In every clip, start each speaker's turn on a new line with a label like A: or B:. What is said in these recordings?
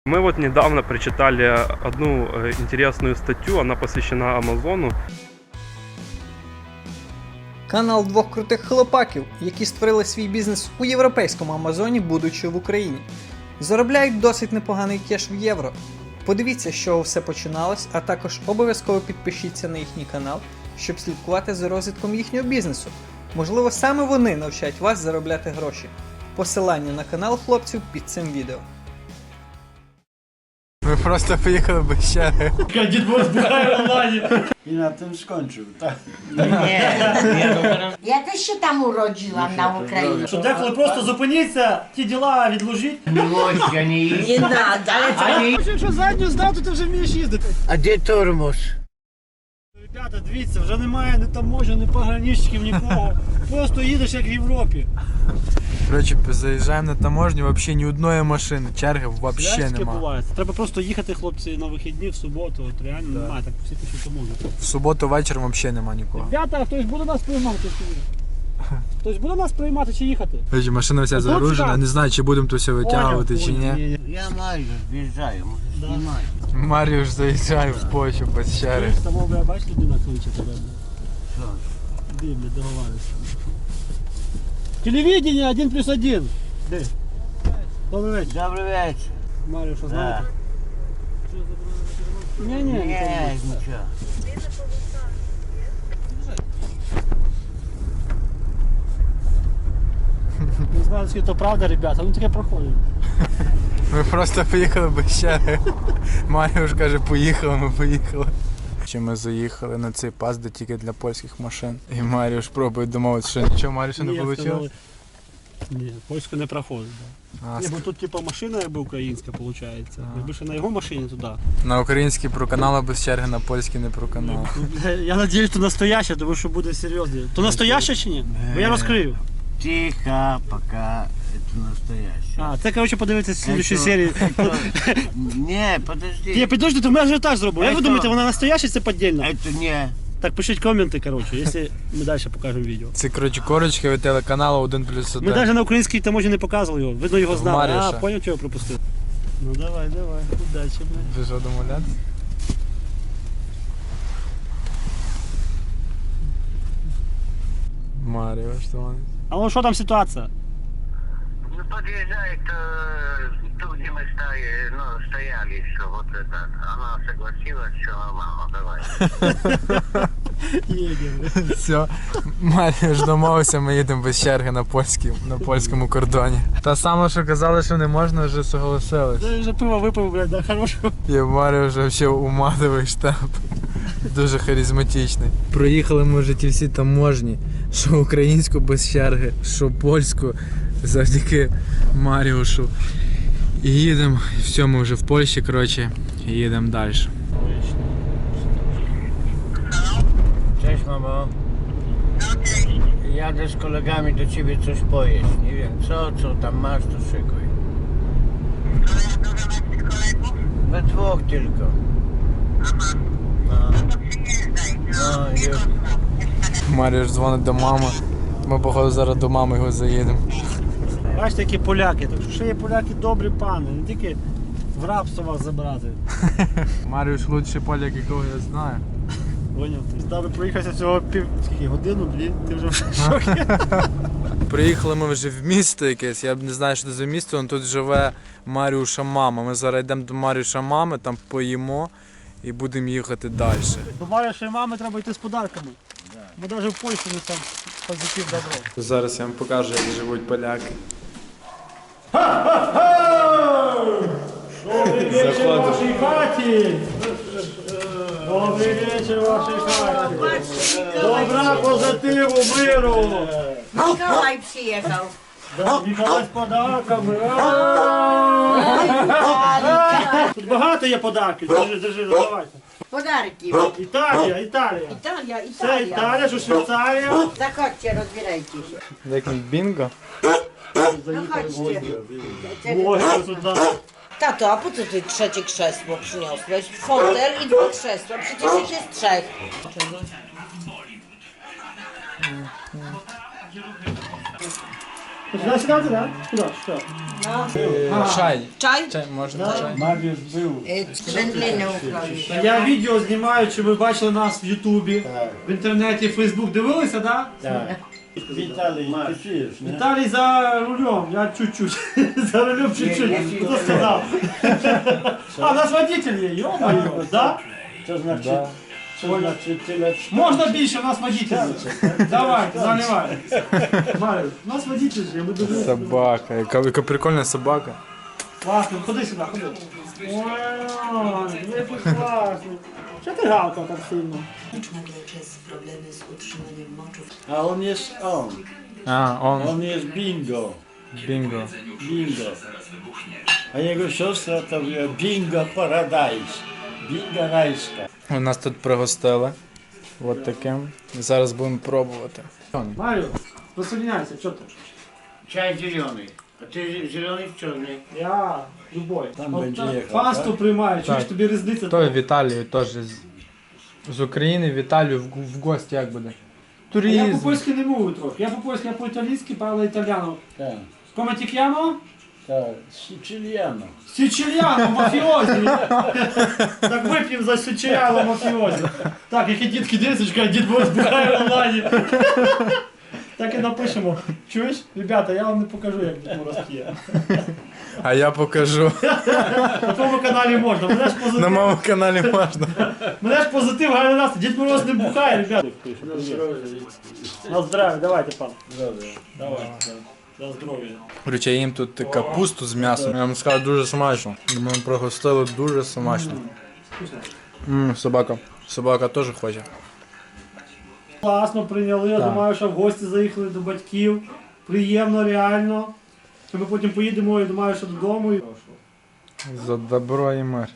A: Мы вот недавно прочитали одну интересную статью, она посвящена Амазону.
B: Канал двох крутих хлопаків, які створили свій бізнес у європейському Амазоні, будучи в Україні. Заробляють досить непоганий кеш в євро. Подивіться, з чого все починалось, а також обов'язково підпишіться на їхній канал, щоб слідкувати за розвитком їхнього бізнесу. Можливо, саме вони навчать вас заробляти гроші. Посилання на канал хлопців під цим відео.
C: Ми просто поїхали без черги.
D: Дід Мороз бухає в онлайні. I na tym skończył, tak?
E: Я теж ще там уроджила на Україні.
D: Що деколи просто зупиніться, ті діла відложіть.
E: Не надо, але
D: Якщо задню здав, то ти вже вмієш їздити.
F: А де тормоз?
D: Ребята, дивіться, вже немає ні таможень, ні пограничників, нікого. Просто їдеш як в Європі.
C: Коротше, заїжджаємо на таможню, взагалі ні одної машини, черги взагалі
D: Пляшки
C: нема.
D: бувають. Треба просто їхати, хлопці, на вихідні, в суботу. От реально немає, так всі пишуть таможні.
C: В суботу вечором взагалі нема нікого.
D: Ребята, хтось буде нас приймати? Хтось буде нас приймати чи їхати?
C: Коротше, машина вся загружена, не знаю, чи будемо то все витягувати, чи ні.
F: Я майже в'їжджаю, може знімати.
C: Маріуш заїжджає в Польщу без черги.
D: Там, бля, бачиш, людина кличе тебе.
F: Що?
D: Де, бля, договаривайся. Телевидение 1+1. Де? Добрий вечір.
F: Добрий вечір.
D: Марію, що знаєте? Ні,
F: Нічого.
D: Не знаю, скільки то правда, ребята, ну таке проходить.
C: Ми просто поїхали без черги. Маріуш каже, поїхали, ми поїхали. Чи ми заїхали на цей пас, де тільки для польських машин. І Маріуш пробує домовитися, що нічого Маріуша не вийшло.
D: Ні, польську не проходить. Да. Ні, бо тут типу машина якби українська виходить. Якби ще на його машині туди.
C: На український проканали без черги, на польський не проканали.
D: Я сподіваюся, що настояще, тому що буде серйозно. То настояще чи ні? Бо я розкрию.
F: Тихо, пока это настоящее.
D: А, це, коротше, подивитися в слідчій серії.
F: Не, подожди.
D: Ні, підожди, то ми ажіотаж зробимо. Як ви
F: Це-
D: думаєте, вона настояща, це піддільна?
F: Это не.
D: Так, пишіть коменти, коротше, якщо ми далі покажемо відео.
C: Це, коротше, корочки від телеканалу 1+1.
D: Ми навіть на українській таможні не показували його, видно його знали.
C: Маріша.
D: А, поняв, чого пропустив. Ну давай, удачі, блядь.
C: Ви що домовлятися? Маріо, що вони?
D: А ну що там ситуація?
F: Ну, подъезжает тут, где мы стояли, что вот это. Она согласилась, все нормально, давай.
D: Їдемо.
C: Все, Маріуш домовився, ми їдемо без черги на польському кордоні. Та саме, що казали, що не можна, вже согласились.
D: Я вже пиво випив, блядь, да, хорошого.
C: І Маріуш взагалі умадовий штаб. Дуже харизматичний. Проїхали ми вже ті всі таможні, що українську без черги, що польську, завдяки Маріушу. І їдемо, і все, ми вже в Польщі, коротше, і їдемо далі.
F: Cześć, mamo. Jadę z kolegami do ciebie coś pojeść. Nie wiem co tam masz, to szykuj. We dwóch tylko. No już.
C: Маріуш дзвонить до мами. Ми, походу, зараз до мами його заїдемо.
D: Бачите, які поляки, так що ще є поляки добрі пани, не тільки в рабство вас забрати.
C: Маріуш лучший поляк, якого я знаю.
D: Поняв? Ти з нами проїхався всього годину-дві, ти вже в шокі.
C: Приїхали ми вже в місто якесь, я б не знаю, що це за місто, але тут живе Маріуша мама. Ми зараз йдемо до Маріуша мами, там поїмо і будемо їхати далі.
D: До Марішої мами треба йти з подарками. Бо навіть в Польщі не там позитив добро.
C: Зараз я вам покажу, як живуть поляки.
D: Добрий вечір в вашій хаті! Добрий вечір в вашій хаті! Добра, позитиву, миру!
E: Миколай приїхав.
D: Ніколай з подарками! Тут багато є подарків, держи, давайте.
E: Подарки.
D: Італія.
E: Італія,
D: Це Італія, що Швейцарія.
E: Заходьте, розбирайтеся.
C: Як бінго?
E: Заходьте.
D: Блогери тут нас.
G: Tato, a po co ty trzecie krzesło przyniosłeś? Fotel i dwa krzesła, przecież ich jest trzech.
D: Сюди сідати, так? Куди? Що?
C: Чай.
G: Чай?
C: Чай, можна чай?
F: Mariusz był.
E: Wędliny ukroić.
D: Я відео знімаю, чи ви бачили нас в Ютубі, в інтернеті, Фейсбук. Дивилися, так?
F: Tak. Witali, ty pijesz, nie?
D: Віталій за рулем, я чуть-чуть. За рулем чуть-чуть. Хто сказав? А, наш водитель є, йо-моє, да?
F: To znaczy tyle...
D: Можна більше, у нас водитель є. Давайте, заливай. Марю, у нас водитель є, ми дуже...
C: Собака. Яка прикольна собака.
D: Класно, ходи сюди, ходи. Ой, який класний. Що ти гавкав так сильно?
H: nagle przez problemy z utrzymaniem moczu w
F: A on jest on.
C: А, он.
F: On jest bingo.
C: Bingo.
F: Bingo. A jego siostra to była bingo paradise. Bingo rajska.
C: У нас тут пригостили. От таким. Зараз будемо пробувати.
D: Марю, присоединяйся, що ти?
F: Чай zielony. A ty zielony czy czarny?
D: Я любой.
F: Там
D: От
F: będzie
D: так,
F: jechał,
D: Пасту приймаю, чуєш,
C: Так.
D: тобі різниця.
C: Той в Італію теж з України в Італію в гості як буде?
D: Я
C: Туризм.
D: по-польськи не можу трохи. Я по-польськи, я по-італійськи, парла італіано.
F: Tak,
D: Come ti chiamo?
F: tak. Siciliano.
D: Сiciliano, мафіозі. Так вип'ємо за Сiciliano мафіозі. Так, які дітки дивляться, чекай, дід Борис бухає в онлайні. Так і напишемо. Чуєш? Ребята, я вам не покажу, як Дід Мороз п'є.
C: А я покажу.
D: На твоєму каналі можна. Мене ж
C: На
D: позитив.
C: моєму каналі можна.
D: Мене ж позитив, гарний настрій. Дід Мороз не бухає, ребята. На здоров'я, давайте, пан. Давай. На здоров'я.
C: Короче, я їм тут капусту з м'ясом. Я вам скажу, дуже смачно. Ми пригостили дуже смачно. Собака. Собака теж хоче.
D: Класно прийняли, я
C: Так.
D: думаю, що в гості заїхали до батьків. Приємно, реально. Що ми потім поїдемо, я думаю, що додому.
C: За добро і мир.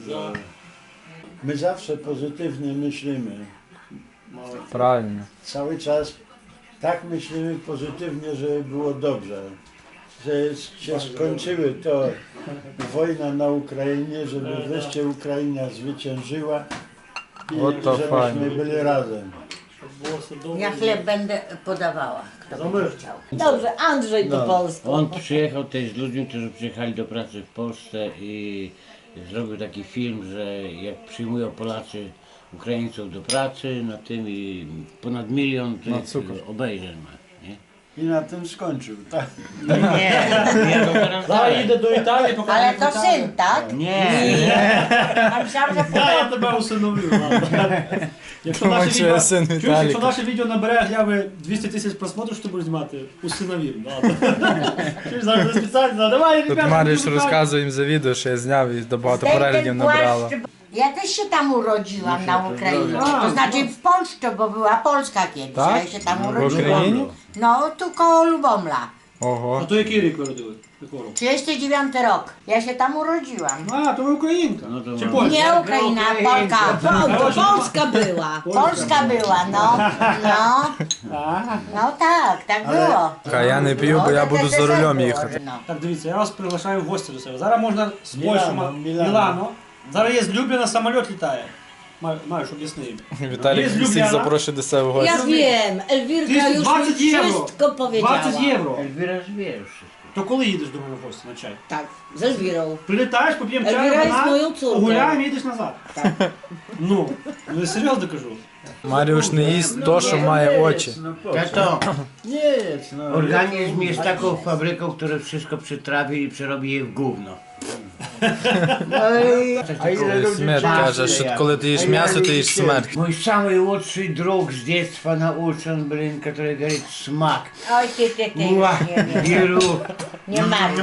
F: My zawsze pozytywnie myślimy.
C: Правильно.
F: Cały czas tak myślimy pozytywnie, żeby było dobrze. Że się skończyły to wojna na Ukrainie, żeby wreszcie Ukraina zwyciężyła i
C: O, to
F: żebyśmy
C: fajnie.
F: byli razem.
D: Було все добре.
E: Ja chleb będę podawała, kto
D: Zamyśl.
E: będzie chciał.
G: Dobrze, Andrzej do Polski.
I: On przyjechał też z ludźmi, którzy przyjechali do pracy w Polsce i zrobił taki film, że jak przyjmują Polacy Ukraińców do pracy, na tym i ponad 1 milion tych
C: cukier.
I: obejrzeń ma. Nie?
F: I na tym skończył, tak?
I: Nie, ja to teraz
D: Зараз
I: daję.
D: їде до Італії, поки
E: Ale
D: не
E: to
D: Італії.
E: syn, tak?
I: Nie,
E: A myślałam, że
D: Да, я тебе усиновлю. ладно. Якщо наше
C: Думаю, що
D: відео,
C: я син
D: чуєш,
C: Віталіка.
D: якщо наше відео набере гляви 200 тисяч просмотрів, що ти будеш знімати? Усиновів. Чуєш, зараз буде спеціально, давай,
C: Тут
D: ребята.
C: Маріш
D: будемо
C: розказує їм за відео, що я зняв і багато
E: Zdejmę
C: переглядів
E: ten
C: набрало.
E: płaszcz, Ja też się tam urodziłam na Ukrainie.
D: A,
E: To znaczy w Polsce, bo była Polska kiedyś, a
C: Tak?
E: ja się tam
C: W
E: urodziłam.
C: Україні?
E: No, tu koło Lubomla.
C: Ого.
D: А то який рік ви родили? Якого року?
E: 39 rok. Ja się tam urodziłam.
D: А, то ви українка.
I: No to
D: Чи
I: mam.
D: Польща?
E: Nie Ukraina, Polka.
G: Polska była.
E: Polska była, no. No, no tak, tak było.
C: А я не п'ю, бо я буду за рулем їхати.
E: No.
D: Так, дивіться, я вас приглашаю в гості до себе. Зараз можна з Польщі,
F: Мілано.
D: Мілано. Зараз є з Любліна самоліт літає. Маєш, об'ясни їм.
C: Віталій
D: Jest
C: всіх
D: Ljubljana.
C: запрошує до себе в
G: Ja
C: гості.
G: wiem, Elwirka już mi
D: 20 euro.
G: wszystko powiedziała.
D: 20 євро.
I: Elwira wie już wszystko.
D: То коли їдеш до мене в гості на чай?
G: Tak, z Elwirą.
D: Прилітаєш, поп'ємо чаю,
G: Elwira jest
D: вина,
G: moją córką.
D: погуляємо і їдеш назад. Ну я серйозно кажу.
C: Маріуш не їсть то, що має очі.
I: Tato,
F: Nie jest, no.
I: organizm jest taką fabryką, która wszystko przytrawi i przerobi je w gówno.
F: A ile ludzi
C: Смерть каже, що коли ти їш м'ясо, ти їш смерть.
I: Mój самый lучший друг с детства научен, блин, который говорит смак.
E: Oj, ty.
I: Уа,
E: Nie,
I: беру.
E: nie marudź.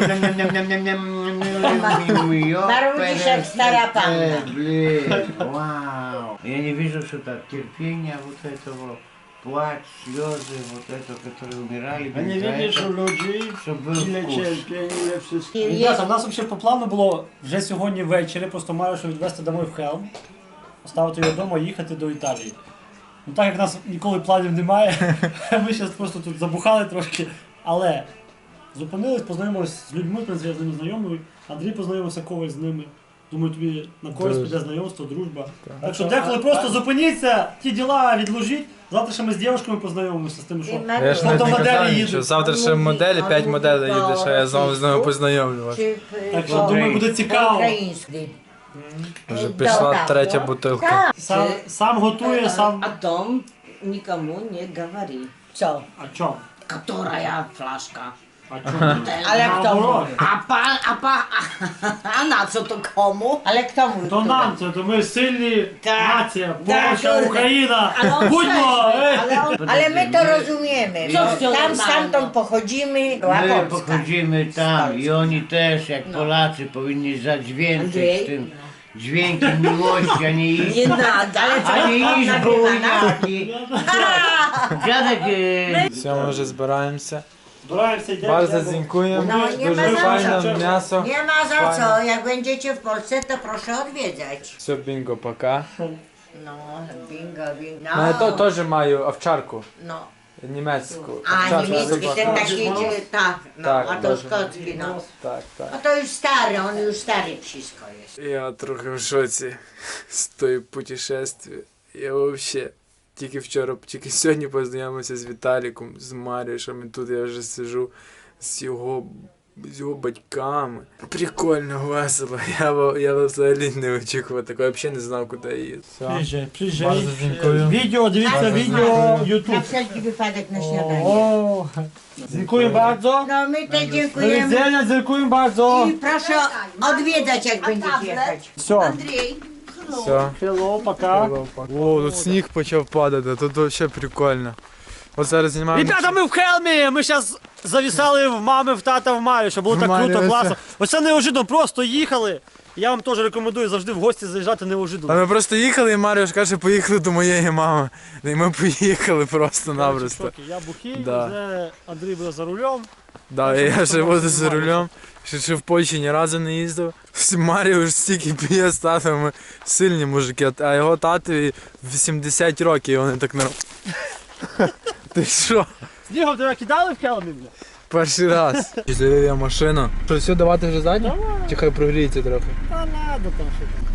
E: Marudzisz jak stara panna.
I: Блин, вау. Я не вижу, что так терпения вот этого, плач, слезы, вот это, которые умирали.
F: A nie widzisz u ludzi,
I: Щоб був
F: ile
I: вкус.
F: cierpień, ile wszystkiego.
D: Ребята, у нас взагалі по плану було вже сьогодні ввечері, просто маю що відвезти домой в Хелм, оставити його вдома і їхати до Італії. Ну так як в нас ніколи планів немає, ми зараз просто тут забухали трошки, але зупинились, познайомилися з людьми, в принципі, я з ними знайомий, Андрій познайомився, Коваль з ними. Думаю, тобі на користь
C: Дуже.
D: піде знайомство, дружба. Так що деколи просто зупиніться, ті діла відложіть. Завтра ще ми з дівчатками познайомимося з тим, що
C: Я ж не
D: фотомоделі
C: казав,
D: їдуть.
C: що завтра ще моделі, 5 моделей їде, що я з ними познайомлю вас.
D: Так що думаю, буде цікаво.
G: Український.
C: Вже пішла третя бутилка.
D: Сам готує, сам.
G: А том никому не говори. Все.
D: А чому?
G: Которая флажка.
D: А чому?
G: Але к тому.
D: Наоборот.
G: А на co to komu? Ale k tomu.
D: То нам це, то ми сильні
G: Так.
D: нація,
G: Так,
D: Польща,
G: кurde.
D: Україна.
G: Ale on
D: Будьмо!
G: Ale my to rozumiemy. No, tam stamtąd pochodzimy.
I: My pochodzimy tam i oni też, jak Polacy, powinni zadźwięczyć
G: Andrzej?
I: tym dźwiękiem miłości, a nie iść,
G: Nie nada, ale co?
I: a nie iść
G: Nagrywa,
I: bujaki. Dziadek
C: Все, ми вже збираємося.
D: Збираємося, йдемо.
C: Bardzo dziękuję.
E: No, nie ma
C: Дуже
E: za
C: файне
D: co.
C: м'ясо.
E: Nie ma za co, jak będziecie w Polsce, to proszę odwiedzać.
C: Все, бінго, пока.
E: No, bingo, bingo.
C: Ну, я то теж маю овчарку.
E: No.
C: Німецьку.
E: A
C: Овчарку,
E: niemiecki, ten
C: собаку.
E: taki, tak, no,
C: Tak,
E: a to
C: dobrze.
E: szkocki, no.
C: Так, так.
E: No to już stary, on już stary psisko jest.
C: Я трохи в шоці з тої путешествия. Я взагалі тільки сьогодні познайомився з Віталіком, з Марією, тут я вже сижу з його батьками. Прикольно, весело. Я взагалі не очікував такого, я взагалі не знав, куди їду.
D: Приїжджай, приїжджай.
C: Bardzo dziękuję.
D: Відео, дивіться відео,
E: Na
D: YouTube.
E: wszelki wypadek na śniadanie.
D: О, дякуємо bardzo.
E: No my też
D: Do
E: dziękujemy
D: widzenia, dziękuję bardzo.
E: i proszę odwiedzać, jak będziecie jechać.
D: Все.
C: Все.
D: Hello, пока.
C: О, тут сніг почав падати, тут взагалі прикольно. От зараз знімаємо.
D: Ребята, ми в Хелмі! Ми зараз завісали в мами, в тата, в Марі, щоб було
C: В
D: так
C: Марі,
D: круто,
C: ось
D: класно.
C: це.
D: Оце неожиданно, просто їхали. Я вам теж рекомендую завжди в гості заїжджати
C: А
D: неожиданно.
C: ми просто їхали, і Маріош каже, поїхали до моєї мами. І ми поїхали просто-напросто.
D: Коротше, я бухий,
C: Да.
D: вже Андрій буде за рулем.
C: Да, і я ще буду за рулем. Ще в Польщі ні разу не їздив. Маріош стільки п'є з татом, ми сильні мужики, а його татові 80 років, і вони так не Ти що?
D: Снігом тебе кидали в Хелмі, бля?
C: Перший раз. Завів я машину. Що, все, давати вже задню? Чи хай прогріється трохи?
D: Та ладно там що там.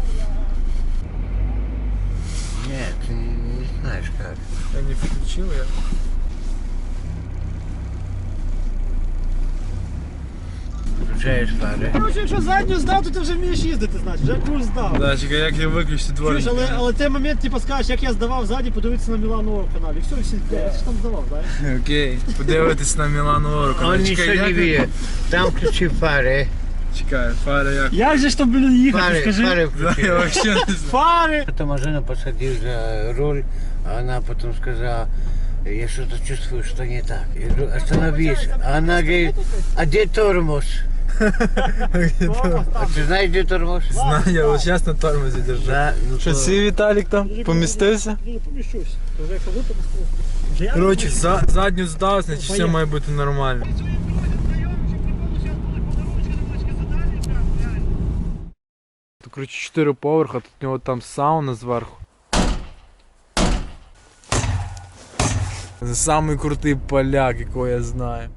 I: Nie, ty nie знаешь как.
C: Я не включив, я.
I: Включаешь фары.
D: Короче, якщо задню здав, то ти вже вмієш їздити, значить, вже курс здав.
C: Да, чекай, як я виключу
D: Чуєш,
C: дворник.
D: але той момент, типу, скажеш, як я здавав ззаді, подивитися на Мілану каналі. Все, всі, я ж там здавав, знаєш.
C: Окей, подивитись на Мілану Орку.
I: On
C: Чекай,
I: ничего не
C: як-
I: видит. Там включи фары.
C: Чекай, фари як?
D: Як же ж там, блін, їхати,
I: Фары,
D: скажи?
I: фары
C: Да,
I: включи.
C: я вообще не знаю.
D: Фари!
I: Эту машину посадил за руль, а она потом сказала, я что-то чувствую, что не так. Я говорю, остановись. А она говорит, а где тормоз? А ты знаешь, где тормоз?
C: Знаю, я вот сейчас на тормозі держу.
I: Да, ну
C: Що,
I: то-
C: свій Віталік там помістився?
D: Я не поміщусь. Вже як випадку.
C: Коротше, задню здав, значить все має бути нормально. Тут, коротше, 4 поверха, тут у нього там сауна зверху. Це самий крутий поляк, якого я знаю.